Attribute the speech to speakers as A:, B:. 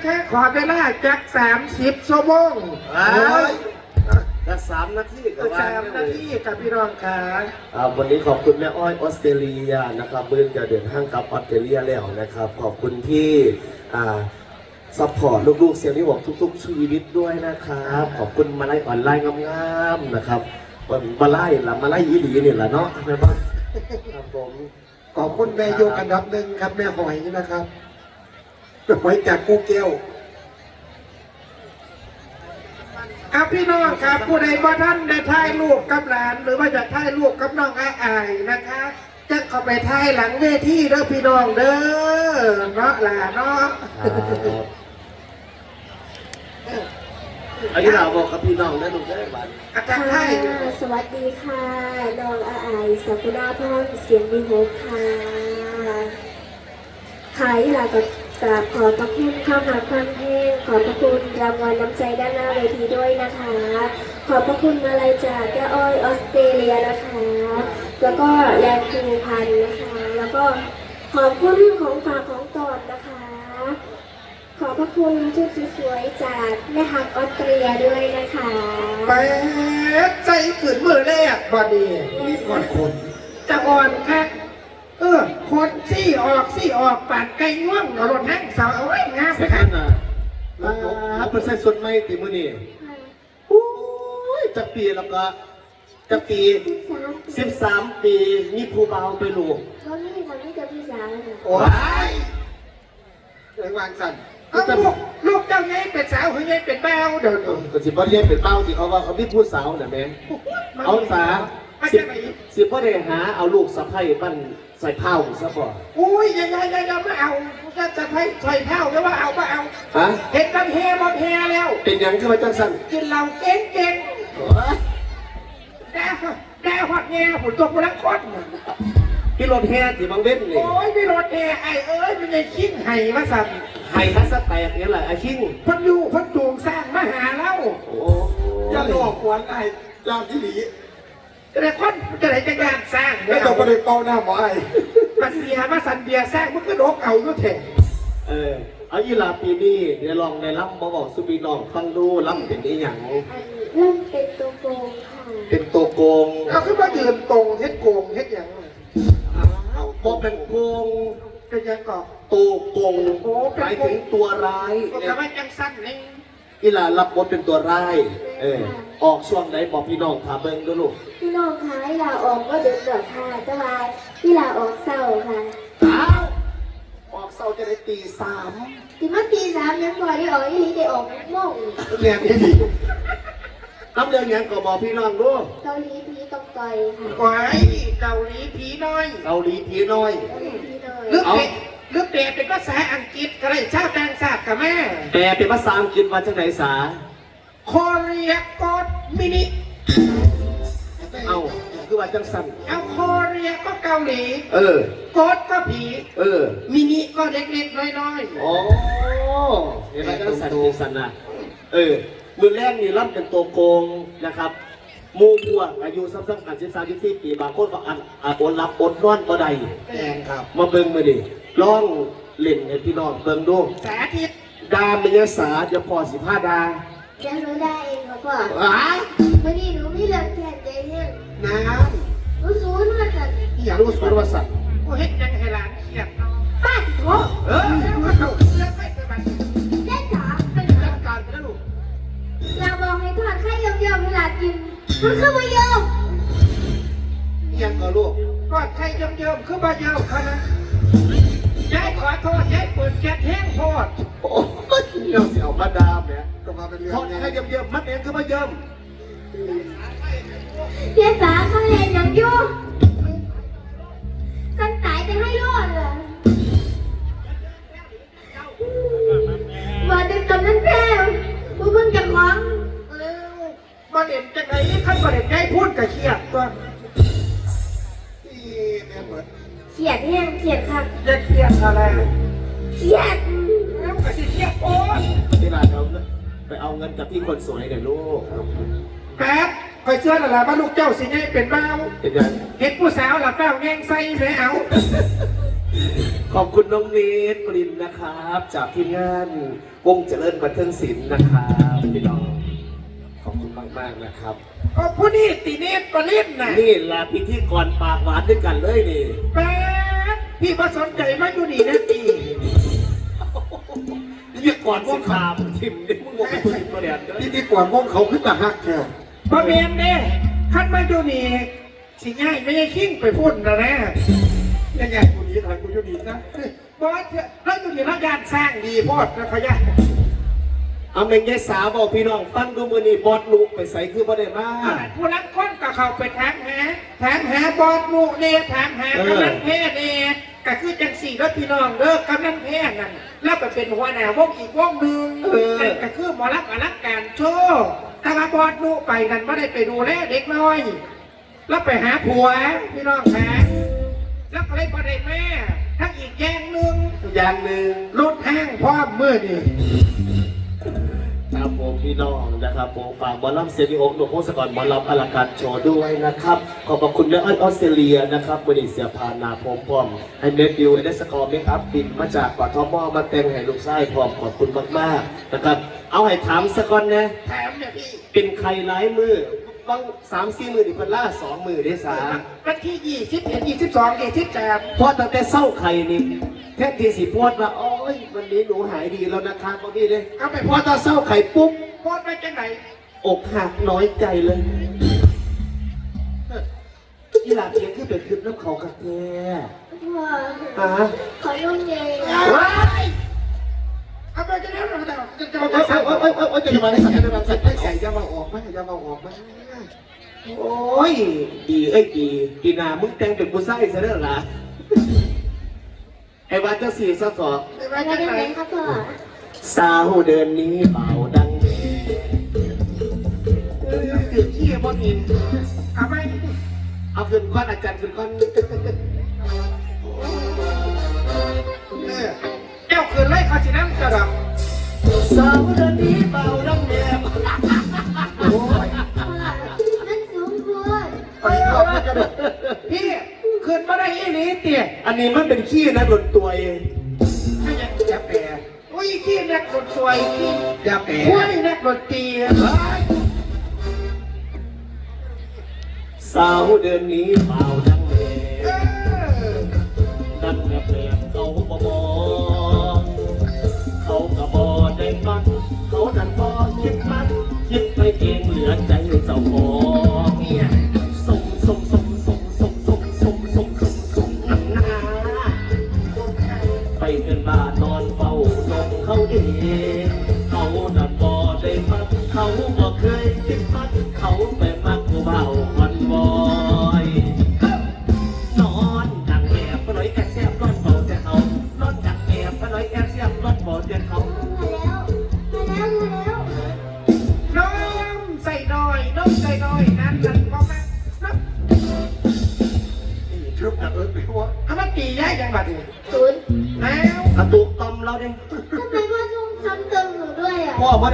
A: ค่ขอเวลาจัก30 ชั่วโมง
B: จะ3 นาทีกับ
A: 3 นาทีกับพี่น้องค่ะ
B: วันนี้ขอบคุณแม่อ้อยออสเตรเลียนะครับเมื่อจะเดินทางกลับออสเตรเลียแล้วนะครับขอบคุณที่ซัพพอร์ตลูกๆเสียงที่บอกทุกๆชีวิตด้วยนะครับขอบคุณมาไล่ออนไลน์งามๆนะครับมาไล่อีหลีนี่แหละเนาะแม่บ้านครับผม
A: ขอบคุณแม่โยกอันดับหนึ่งครับแม่หอยนะครับหอยจากกูเกลครับพี่น้องครับผู้ใดบ่ท่านได้ถ่ายรูปกับหลานหรือว่าจะถ่ายรูปกับน้องอาอายนะคะจะเข้าไปถ่ายหลังเวทีเด้อพี่น้องเด้อเนาะหลานเนาะ
B: อันนี้เราบอกกับพี่น้องได้ดูได้บ้าง
A: อาจารย์ไทย
C: สวัสดีค่ะน้องอาอายสักุณาพรเสียงดีโฮค่ะขายหลักกราบขอบพระคุณข้าวหาความแห้งขอบพระคุณรางวัลน้ำใจด้านหน้าเวทีด้วยนะคะขอบพระคุณมาลัยจากแก้อ้อยออสเตรเลียนะคะแล้วก็แลนด์คูพันนะคะแล้วก็ขอบคุณของฝากของตอดนะคะขอบพระคุณชุดสวยๆจากแม่ฮักออสเตรเลียด้วยนะคะ
A: แป๊ดใจขืนมือแรกบอดีนี่ก่อนคนจะอ่อนแค่คนซี่ออกปาดไก่ง่วงรถแห้งสาวเอาไว้งามไปกัน
B: รับเป็นเส้นสุดไหมตีมือนี่โอ้ยจะปีแล้วก็จะปี13 ปีมีผู้เบาไปลูก
C: เขานี่ทำให้เจอพี่สาวเลย
A: โอ้ยเรื่องวางสั่นลูกเจ้าไงเป็นสาวหรือไงเป็นแมวเดี๋ยว
B: ก็สิบ่ได้เป็นเป้าที่เขาว่าเขามีผู้สาวน่ะแม่เอาสาสิพ่อได้หาเอาลูกสะใภ้ปั้นใส่เผาซะบ่
A: อุ้ยยังไม่เอาจะใส่เผาแล้วว่าเอา
B: ฮะ
A: เห็นกันเฮบอลเฮแล้ว
B: เป็นยังขึ้นมาจังสั่น
A: กินเหล้าเก่งแต่หอดเงี้ยหุ่นตัวพลังคน
B: พี่รถแห่ที่บางเว้นนี่
A: โอ้ยพี่รถแห่ไอ้มันยังคิ้งไห้มาสั่น
B: ไห้ทัศแตกนี่แหละไอ้คิ้ง
A: พันจูงสร้างมาหาแล้ว
B: โอ้
A: ยาหลอกขวัญไอ้ยาที่หลีแต่คนจะไหนจะงานสร้าง
D: ไม่ต้องไปเป่าหน้าหมอไอ้
A: มันเบียมาสั่นเบียสร้างมันก็โดกเอาด้วยเถ
B: อะเอายีราปีนี้เดี๋ยวลองในล่ำบอกสุบีน้องฟังดูล่ำเป็นอีหยัง
C: ล่ำเป็นตัวโกงค่ะ
B: เป็นตัวโกง
A: เอาขึ้นมายืนตรงเฮ็ดโกงเฮ็ดอย่าง
B: บอกเป็นโกง
A: เป็นยังก่อ
B: ตัวโกงหมายถึงตัวร้าย
A: ก็ทำให้ยังสั้นนี่
B: ยีรารับบทเป็นตัวร้ายออกช่วงไหนบอกพี่น้องถามเบิ้งด้วยลูก
C: พี่น้องคะเวลาออกก็เดือดเดือดค่ะจะมาเวลาออกเศร้าค่ะ
B: ออกเศร้าจะได้3
C: ถึงว่า3ยังบ่ได้ออกยี่ได้ออกโม่ง
B: เรียนที่ดีน้ำเดือนยังก็บอกพี่น้องด้วย
C: เกาหลีผีตกต่อยค่ะ
A: ไว้เกาหลีผีน้อยลึกแปลเป็นภาษาอังกฤษก็ได้ชาวต่างชาติกับแม่
B: แปลเป็นภาษาอังกฤษมาจากไหนสา
A: โคเรียกดมินิ
B: เอาคือว่าจังสัน
A: เอาโคเรียก็เกาหลีกดก็ผีมินิก็เล็กๆน้อย
B: ๆอ๋อเห็นไหมจังสันนะมือแรกนี่รับเป็นตัวโกงนะครับมูพวกอายุซ้ำๆกัน13-14 ปีบางคนก็อดรับอดนอนก็ได้
A: แรงครับ
B: มาเบิ่งมาดิลองเล่นให้พี่น้องเบิ่งดู
A: สาธิต
B: ดาเมียสาจะพอ15 ดา
C: จะรู้ได้เองครับพ่อวันนี้หนูไม่เลิกแค่ใจเนี่ยรู้สูนว่าสัตว์
B: อย่ารู้สูนว่าสัตว์
A: กูเฮ็ดยังให้หลานเครียด
C: ป้าโถ
A: แล้วไม่เคยมา
C: เล่นจ๋า
A: เป็นจัดการไปแล้วลูก
C: เราบอกให้ทอดไข่เยิ้มๆเวลากินมันคือไม่เยิ้ม
B: ยังก็ลูก
A: ทอดไข่เยิ้มๆคือไม่เยิ้มเขานะยายขอโทษยายเปิดแก๊สแห้งโพด
B: โอ้ยเราเสียวมาดามเนี่ยก็มาเป็นเรื่องทอดไข่เยิ้มๆมัดเองคือไม่เยิ้ม
C: เพียสาเขาเรียนอย่างยุ่งสันตายจะให้รอดเหรอว่าเด็กตอนนั้นแพ้ผู้เพิ่งจะคล้อง
A: มาเด่นจากไหนขั้นมาเด่นได้พูดกับเครียดตัว
C: เครียดแห้งเครียดค่ะ
A: จะเครียดอะไร
C: เครียด
A: แล้วก็จะเครียดโอ๊ย
B: ที่ร้านเราไปเอาเงินกับพี่คนสวยเดี๋ยวลูก
A: แป๊บคอยเชื่อหล่ะว่าลูกเจ้าสิไงเป็นเมาเห็นผู้สาวหลับเป้าแง่งไส้ไม่เอา
B: คขอบคุณน้องเนตปรินนะครับ จากทีมงานวงเจริญบันเทิงศิลป์นะครับพี่น้องขอบคุณมากๆนะครับ
A: ผู้นี้ตีเนตปลิ้นน่ะ
B: นี่ลาพิธีกรปากหวานด้วยกันเลยนี่
A: แป๊บพี่มาสนใจมาอยู่นี่นะตี
B: พิธีกรพวกขามทิมนี่มึงบอกเป็นคนมาเรียนด้วย
D: พิธีกรวงเขาขึ้นตาฮักแค่
A: พอเมียนเด้ขั้นมาอยู่นี่สิง่ายไม่ใช่ขิ้งไปพูดนะนะ
D: ยังไงกูนี้ทางกูอยู่ดีนะ
A: บอสแล้วอยู่นี่รักการสร้างดีโพอดนะเขาย่า
B: เอาเมงยายสาวบอกพี่น้องฟังดูมือนี่บอดลุกไปใส่คือบ่ได้มา
A: ผู้รักคนก็เข้าไปถามหาบอสหมู่เนี่ยถามหากำนันแพ้เนี่ยก็คือจังสี่รถพี่น้องเด้อกำนันแพ้นั่นแล้วไปเป็นหัวหน้าวงอีกวงหนึ่งนั่นก็คือหมอรักอลักการโชว์แต่ว่าบอสหมู่ไปนั่นไม่ได้ไปดูแลเด็กน้อย แล้วไปหาผัวพี่น้องแพ้แล้วก็เลยประเด็นแม่ทั้งอีกแย่งหนึ่ง
B: อย่างหนึ่ง
A: รถแห้งพร้อมมือนี่
B: ครับผมพี่น้องนะครับผมฝากบอลลัมเซนิโอหนุ่มพงศกรบอลลัมอลังการโชว์ด้วยนะครับขอบคุณแม่อ้อยออสเตรเลียนะครับบริเสียพานาพร้อมให้เมดิวเอเดสกอร์เมคอัพบินมาจากกทมมาแต่งให้ลูกชายพร้อมขอบคุณมากๆนะครับเอาให้ถามสักก่อนนะ
A: แถมเนี่ยพี่
B: เป็นใครหลายมือบาง3-4 มือดิพันล่า2 มือได้สา
A: วันที่21 22 23
B: เพราะตั้งแต่เศร้าไข่นี่แท้ที่สิพวดว่าโอ้ยวันนี้หนูหายดีแล้วนะครับบางทีเลย
A: เอาไป
B: พ
A: พ
B: อ
A: อ
B: ตอนเศร้าไข่ปุ๊บ
A: โพสไปจังไหน
B: อกหักน้อยใจเลยที่หลังเพียงคือเป็นคลิปน้ำเขากระแท
C: ว้า
B: ฮะ
C: ขอนุ่มเย็น
A: ว้ายเอาไปจะได้หรือเปล่าจะเอาไปสั่ง
B: โอ้ยจะมาได้สักจะมาสัก
D: ไอ้ใส่ยามาออกไหมยามาออกไหม
B: โอ้ยดีดีกีนามึงแต่งเป็นผู้ชายซะเด้อล่ะไอ้วัดเจ้าสี่สะสอบ
A: ไป
C: มา
A: จัง
C: ได้
A: ไหน
C: ไหมครับพ่อ
B: สาวเดินนี้เบาดังคือขี้บออิน
A: เอาไป
B: เอาขึ้นก้อนอาจารย์ขึ้นก้อน
A: เจ้าคืนไล่เขาสิน้ำกระดับ
B: สาวเดินนี้เบาดังแดด
D: โอ้ย
C: พ่อนั่นสูงพูด
D: ไปรอบนี้ก็ได้
A: พี่คืนมาได้ยี่นี้เตี๋ย
B: อันนี้มันเป็นขี้นะโดนตัวเอง
A: ไม่ยังจะแปรอุ้ยขี้นักดนสวยขี้
D: ยาแปะ
A: คุ้ยนักดนตรี
B: สาวเดินนี้เบาดังแด
A: เอ
B: ด
A: อ
B: นั่นแบบเขาบอกเขาก็บอได้ฟังเขาดันบอคิดมันคิดไปเองเหลือใจเจ้าของ
A: เนี่ย
B: ส่งหนาไปเป็นบ้านนอนเฝ้าลงเขาเองเขาดันบอได้ฟังเขาก็เคยคิดมันเขาไปมักผู้เบาคนบอยนอนดังแอบไปเลยแอบแซบรถเบาแต่เขานอนดังแอบไปเลยแอบแซบรถเบาแต่เขา
C: มาแล้ว
A: น้องใส่น้อยน้องใส่น้อยนั่นนั่นก็แม่นับ
D: ชุบนะไปว่า
A: เอามาตีย้ายจังหวัดนี่
C: ศูนย์
A: แล้ว
B: กระตุกตอมเราดิ
C: ทำไมพ่อต้องซ้ำเติมหนูด้วยอ่ะ
B: พ่อบ่